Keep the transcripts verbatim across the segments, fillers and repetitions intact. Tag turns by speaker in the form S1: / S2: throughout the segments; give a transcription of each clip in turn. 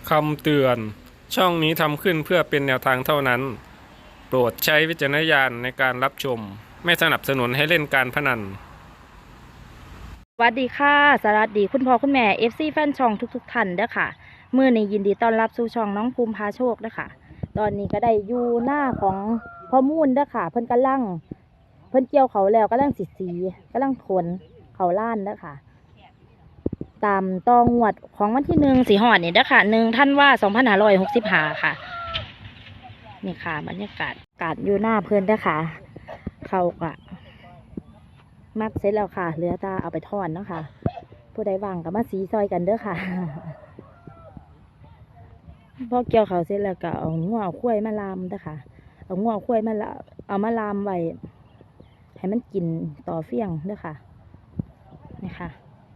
S1: คำเตือนช่องนี้ทำขึ้นเพื่อเป็นแนวทางเท่านั้นโปรดใช้วิจารณญาณในการรับชมไม่สนับสนุนให้เล่นการพนัน
S2: สวัสดีค่ะสวัสดีคุณพ่อคุณแม่ เอฟ ซี แฟนช่องทุกๆท่านเด้อค่ะมื้อนี้ยินดีต้อนรับสู่ช่องน้องภูมิพาโชคเด้อค่ะตอนนี้ก็ได้อยู่หน้าของพ่อมูลเด้อค่ะเพิ่นกำลังเพิ่นเกี่ยวเขาแล้วกำลังสิสีกำลังขนเขาล้านเด้อค่ะตามตองวดของวันที่หนึ่งสีหอดนี่เด้อค่ะหนึ่งธันวาคมสองพันห้าร้อยหกสิบห้าค่ะนี่ค่ะบรรยากาศการอยู่หน้าเพิ่นเด้อค่ะเขาก็มักเสร็จแล้วค่ะเหลือตาเอาไปทอดเนาะค่ะผู้ใดว่างก็มาสีซอยกันเด้อค่ะ พอเกี่ยวเขาเสร็จแล้วก็เอางัวเอาข้วยมาลามเด้อค่ะเอางัวเอาข้วยมาละเอามาลามไว้ให้มันกินต่อเฟี้ยงเด้อค่ะนี่ค่ะ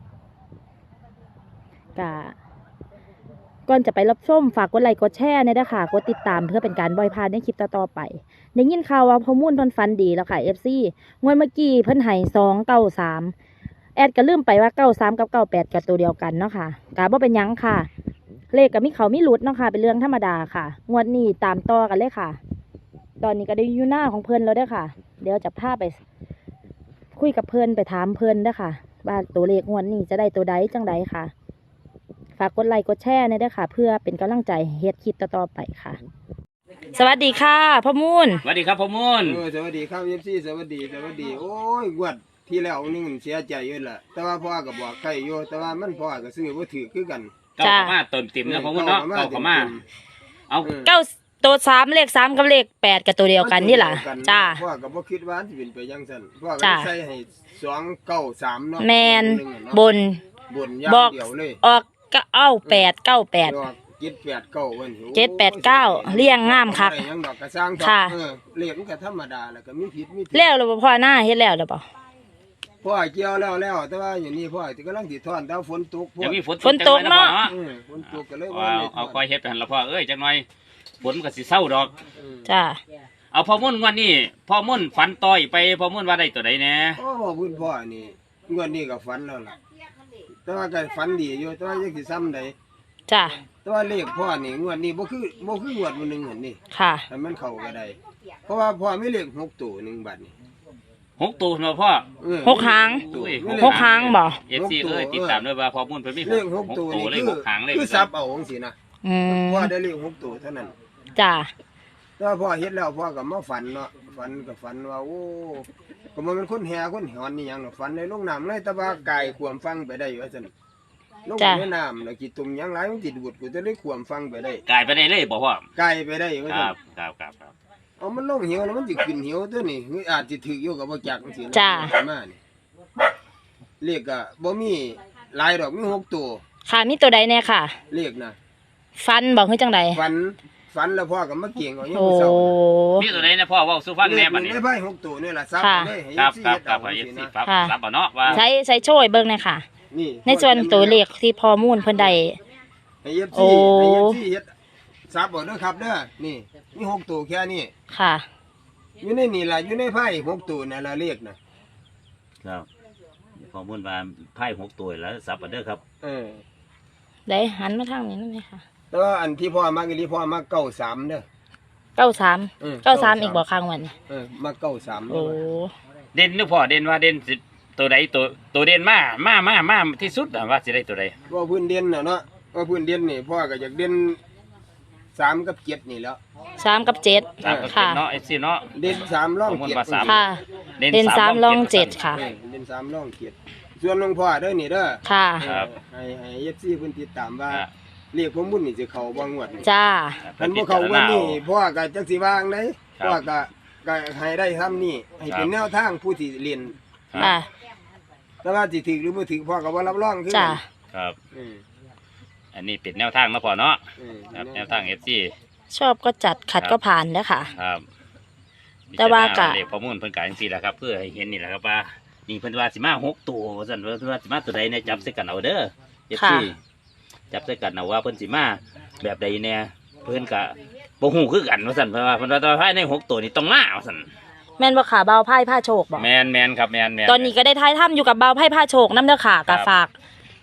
S2: กะก่อนจะไปรับชมฝากกดไลค์กดแชร์เนี่ยเด้อค่ะกดติดตามเพื่อเป็นการบ่อยพลาดในคลิปต่อๆไปได้ยินข่าวว่าพ่อมุ่นเพิ่นฟันดีแล้วค่ะ เอฟ ซี งวดเมื่อกี้เพิ่นให้สองเก้าสามแอดก็ลืมไปว่าเก้าสามกับเก้าแปดกับตัวเดียวกันเนาะค่ะกะบ่เป็นหยังค่ะเลขกับมีเขามีหลุดเนาะค่ะเป็นเรื่องธรรมดาค่ะงวดนี้ตามต่อกันเลยค่ะตอนนี้ก็ได้อยู่หน้าของเพิ่นแล้วเด้อค่ะเดี๋ยวจะพาไปคุยกับเพิ่นไปถามเพิ่นเด้อค่ะว่าตัวเลขงวดนี้จะได้ตัวใดจังใดค่ะฝากกดไลค์กดแชร์เนี่ยด้วยค่ะเพื่อเป็นกำลังใจเฮ็ดคลิปต่อๆไปค่ะสวัสดีค่ะพ่อมูล
S3: สวัสดีครับพ่อมูล
S4: เออสวัสดีครับเอฟซีสวัสดีสวัสดีโอ้ยกวดที่แล้วนี่เสียใจอยู่ล่ะแต่ว่าพ่อก็บอกใครอยู่แต่ว่ามันพ่อก็ซื้อบ่ถือคือกัน
S3: เก้าขม่าเติมติ่มนะพ่อมูลเนาะเก้าขม่าเอา
S2: เก้าตัวสามเลขสามกับเลขแปดกับตัวเดียวกันนี่แหละจ้า
S4: พ่อก็บ่คิดว่าสิเป็นไปจังซั่นพ่อก็ใส่ให้สองเก้าสามเนาะ
S2: แมนบน
S4: บนอย่างเดียวเลย
S2: ออกก็เอาแปดเก้าแปด
S4: เจ็ดแปดเก้าวัน
S2: เจ็ดแปดเก้าเลี้ยงงามครับ
S4: ยังดอกกระซังค่ะเออเลขมันก็ธรรมดาแล้วก็มีผิดมีถูก
S2: แล้วหรือพ่อหน้าเฮ็ดแล้วหรือเปล่า
S4: พ่อเกี่ยวแล้วแล้วแต่ว่าอย่างนี้พ่อที่กำลังสิถอนแต่ฝนตก
S3: ยังมีฝน
S2: ฝนตกเนาะ
S4: ฝนตกก็เลย
S3: ว่าเอาคอยเฮ็ดไปหั่นละพ่อเอ้ยจังหน่อยฝนมันก็สิเศร้าดอก
S2: จ้า
S3: เอาพ่อมุ่นวันนี้พ่อมุ่นฝันต่อยไปพ่อมุ่นว่าได้ตัวใดแน่
S4: โอ้พ่อพุ่นพ่อนี่งวดนี้ก็ฝันแล้วล่ะแต่ว่าก็ฝันดีอยู่แต่ว่ายังสิซ้ำใด
S2: จ้า
S4: แต่ว่าเลขพ่อนี่งวดนี้บ่คือบ่คืองวดมื้อนึงหั่นนี่
S2: ค่ะ
S4: แต่มันเข้าก็ได้เพราะว่าพ่อมีเลขหกตัวหนึ่งบัดนี้
S3: หกตัวเนาะพ่อ
S2: หกหางหกหางบ่
S3: เอฟ ซี เอ้ยติดตามด้วยว่าพ่อมุ่นเพิ่นมี
S4: เลขหกตัวนี่
S3: เลยหกหางเลย
S4: คือซับเอาจังซี่นะ
S2: อืม
S4: พ่อได้เลขหกตัวเท่านั้น
S2: จ้า
S4: แต่ว่าพ่อเฮ็ดแล้วพ่อก็มาฝันเนาะฝันก็ฝันว่าโอ้ก็มันเป็นคนแห่คนหอนนี่หยังเนาะฝันในลงน้ำเลยแต่ว่ากายขวมฟังไปได้ว่าซั่นลงในน้ำแล้วกี่ตุ่มหยังหลายมันสิดูดกูจะได้ขวมฟังไปได้
S3: กายไปได้เลยบ่พ่อก
S4: ายไปได้ว่า
S3: ซั่
S4: น
S3: ครับครับครับ
S4: เอามันลงเหี่ยวแล้วมันสิขึ้นเหี่ยวตัวนี้อาจสิถึกอยู่ก็บ่จักจังซี่นะ
S2: จ้า
S4: มานี่เลขก็บ่มีหลายดอกมีหกตัว
S2: ค่ะมีตัวใดแน่ค่ะ
S4: เลขนะ
S2: ฟันบอกคือจังได
S4: ฟันฟันแล้วพ่อก็มาเก่งเอายัง
S2: โอ้
S4: เศร้า
S3: มีตัวใดนะพ่อเว้าสู่ฟังแน่บัดนี้
S4: ได้ไพ่หกตัวนี่ล่ะซับเลยให้
S3: ครับ
S4: สิ
S3: ครับ
S4: เฮ็ด
S3: ครั
S4: เอา
S3: บให้
S4: สิ
S3: สิ
S4: นะครับ
S3: รับเอาเนาะว่า
S2: ใช้ใช้โช่วยเบิ่งหน่อยค่ะนี่ในส่วนตัวเลขที่พ่อมูลเพิ่นได้
S4: ให้ เอฟ ซี ให้ เอฟ ซี เฮ็ดซับเอาเด้อครับเด้อนี่มีหกตัวแค่นี้
S2: ค่ะ
S4: อยู่ในนี่ล่ะอยู่ในไพ่หกตัวนั่นล่ะเลขน่ะ
S3: ครับพ่อมุ่นว่าไพ่หกตัวแล้วซับเอาเด้อครับ
S4: เออ
S2: ได้หันมาทางนี้นั่นเลยค่ะ
S4: แต่ว่าอันที่พ่อมักอีหลีพ่อมักเก้าสามเด้อ
S2: เก้าสามเก้าสามอีกบ่ข้างวัน
S4: เออมักเก้าสาม
S2: โอ้
S3: เด่นนึกพ่อเด่นว่าเด่นสิตัวใดตัวตัวเด่นมามามามาที่สุดว่าสิได้ตัวใด
S4: ว่าพื้นเด่นน่ะเนาะว่าพื้นเด่นนี่พ่อก็อยากเด่นสามกับเจ็ดนี่แล้ว
S2: สามกับเจ็ด
S3: ค่ะเนาะไอ้สิเนาะ
S4: เด่นสามร่องเจ็ด
S2: ค่ะเด่นสามร่องเจ็ดค่ะ
S4: เด่นสามร่องเจ็ดส่วนหลวงพ่อเด้อนี่เด้อ
S2: ค่ะ
S4: ให้ให้เอฟซีเพิ่นติดตามว่าเรียกพ่อมุ่นนี่สิเข้าบ่งวด
S2: จ้า
S4: คันบ่เข้าวันนี้พ่อก็จักสิวางได้พ่อก็ก็ให้ได้ทำนี่ให้เป็นแนวทางผู้ที่เรียน
S2: อ่า
S4: แต่ว่าสิถึกหรือบ่ถึกพ่อก็บ่รับรองคือ
S2: จ้า
S3: ครับอันนี้เป็นแนวทางนะพ่อเนาะครับแนวทาง เอฟ ซี
S2: ชอบก็จัดขัดก็ผ่านเด้อค่ะ
S3: ครับ
S2: แต่ว่ากะ
S3: เลขข้อมูลเพิ่นกะจังซี่แหละครับเพื่อให้เห็นนี่แหละครับว่านี่เพิ่นว่าสิมาหกตัวว่าซั่นเพิ่นว่าสิมาตัวใดเนี่ยจับใส่กันเอาเด้อ เอฟ ซี จับใส่กันเอาว่าเพิ่นสิมาแบบใดแน่เพิ่นก็บ่ฮู้คือกันว่าซั่นเพิ่นว่าเพิ่นว่าภายในหกตัวนี่ต้องมาว่าซั่น
S2: แม่นบ่ค่ะเบาไพ่ผ้าโชคบ่
S3: แม่นๆครับแม่นๆ
S2: ตอนนี้ก็ได้ท้ายถ้ำอยู่กับเบาไพ่ผ้าโชคนำเด้อค่ะก็ฝาก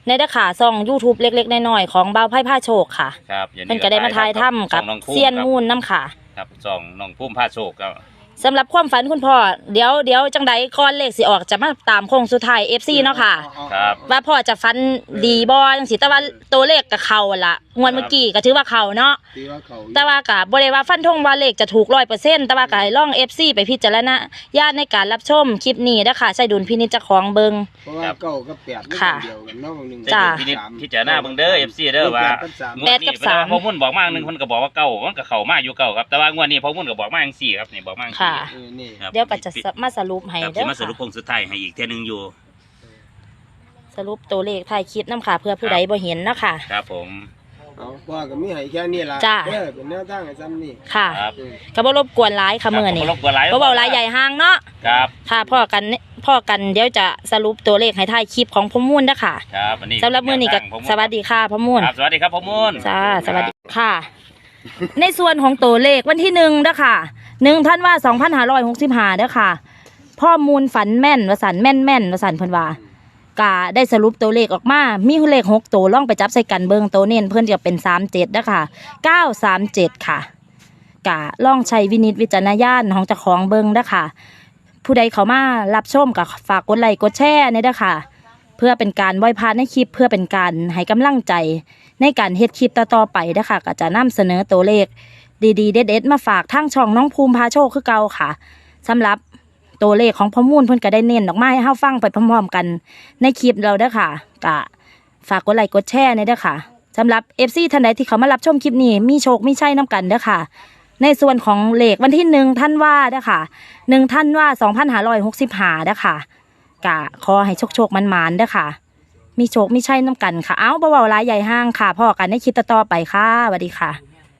S2: ในเด้อค่ะช่อง YouTube เล็กๆน้อยๆของบ่าวไพ่ผ้าโชคค่ะ
S3: ครับอย่าง
S2: เพิ่นก็ได้มาถ่ายทำกับ
S3: ช่องน้องภูมิ
S2: เซียน
S3: ครับ
S2: มูลน้ำค่ะ
S3: ครับสองน้องพุ่มผ้าโชคครับ
S2: สำหรับความฝันคุณพ่อเดี๋ยวเดี๋ยวจังใดก่อนเลขสิออกจะมาตามโค้งสุดท้าย เอฟ ซี เนาะค่ะ
S3: ครับ
S2: ว่าพ่อจะฟันดีบ่จังสิแต่ว่าตัวเลขกับเขาละงวดเมื่อกี้ก็ถือว่าเขาเนาะ
S4: ตีว่าเขา
S2: แต่ว่าก็บ่ได้ว่าฟันธงว่าเลขจะถูก ร้อยเปอร์เซ็นต์ แต่ว่าก็ให้ลอง เอฟ ซี ไปพิจารณาญาติในการรับชมคลิปนี้นะคะใช้ดุลพินิจเจ้าของเบิง
S4: เพราะว่าเก้ากับแปดมัน
S2: ค่ะ
S4: เดียวกันเนาะหนึ่ง
S2: จ้ะ
S3: พินิจพิจารณาเบิ่งเด้อ เอฟ ซี เด้อว่า
S2: แปดกับสาม
S3: งวดนี้เพิ่นว่าพ่อมุ่นบอกมาหนึงเพิ่นก็บอกว่าเก้ามันก็เข้ามาอยู่เก้าครับแต่ว่างวดนี้พ่อมุ่นก็บอกมาจังซี่ครับนี่บอกมาจังซี่
S2: ค่ะ
S4: เออนี่
S3: ครับ
S2: เดี๋ยวก็จะมาสรุปให้
S3: ครับ
S2: เด้
S3: สิ
S2: อ
S3: มาสรุป
S2: ค่ะ
S3: โค้งสุดท้ายให้อีกเทื่อนึงอยู่
S2: สรุปตัวเลขท้ายคลิปน้ำค่ะ เพื่อผู้ใดบ่เห็นนะคะ
S3: ครับผม
S4: เอาพ่อก็มีให้แค่นี้ล่ะ
S2: จ้ะ
S4: เออเป็นแนวทางให้ซ้ำนี่
S2: ค่ะ
S3: ครับ
S4: เออ
S2: ก็บ่รบกวนหลายค่ะมื้อนี้
S3: ครับบ่รบกวนหลาย
S2: บ่เว้าหลายใหญ่ห่างเนาะ
S3: ครับ
S2: ค่ะพ่อกันพ่อกันเดี๋ยวจะสรุปตัวเลขให้ท้ายคลิปของพ่อมูลนะคะ
S3: ครับอันนี้
S2: สำหรับมื้อนี้ก็
S3: แนวทางผม
S2: สวัสดีค่ะพ่อมูล
S3: ครับสวัสดีครับพ่อมุ่น
S2: จ้าสวัสดีค่ะ ในส่วนของตัวเลขวันที่หนึ่งเด้อค่ะหนึ่งท่านว่าสองพันห้าร้อยหกสิบห้าเด้อค่ะ พ่อมูลฝันแม่นวสันแม่นแม่นวสันเพิ่นว่ากะได้สรุปตัวเลขออกมา มีเลขหกตัวล่องไปจับใส่กันเบิงตัวเน้นเพิ่นจะเป็นสามเจ็ดเด้อค่ะเก้าสามเจ็ดค่ะกะล่องใช้วินิจวิจารณญาณของเจ้าของเบิงเด้อค่ะ ผู้ใดเขามารับชมกับฝากกดไลค์กดแชร์เนี่ยเด้อค่ะ เพื่อเป็นการบ่อยพานในคลิปเพื่อเป็นการให้กำลังใจในการเฮ็ดคลิปต่อๆไปเด้อค่ะก็จะนำเสนอตัวเลขดีๆเด็ดๆมาฝากทางช่องน้องภูมิพาโชคคือเก่าค่ะสำหรับตัวเลขของพ่อมูลเพิ่นก็ได้เน้นออกมาให้เฮาฟังไปพร้อมๆกันในคลิปเราเด้อค่ะก็ฝากกดไลค์กดแชร์เนี่ยเด้อค่ะสำหรับ เอฟ ซี ท่านใดที่เขามารับชมคลิปนี้มีโชคมีชัยนํกันเด้อค่ะ ในส่วนของเลขวันที่หนึ่งท่านว่าเด้อค่ะหนึ่งท่านว่าสองพันห้าร้อยหกสิบห้าเด้อค่ะกะขอให้โชคโชคๆมันๆเด้อค่ะ มีโชคมีชัยนํกันค่ะเอ้าบ่เว้าหลายใหญ่ห้างค่ะพ่อกันในคลิปต่อๆไปค่ะสวัสดีค่ะ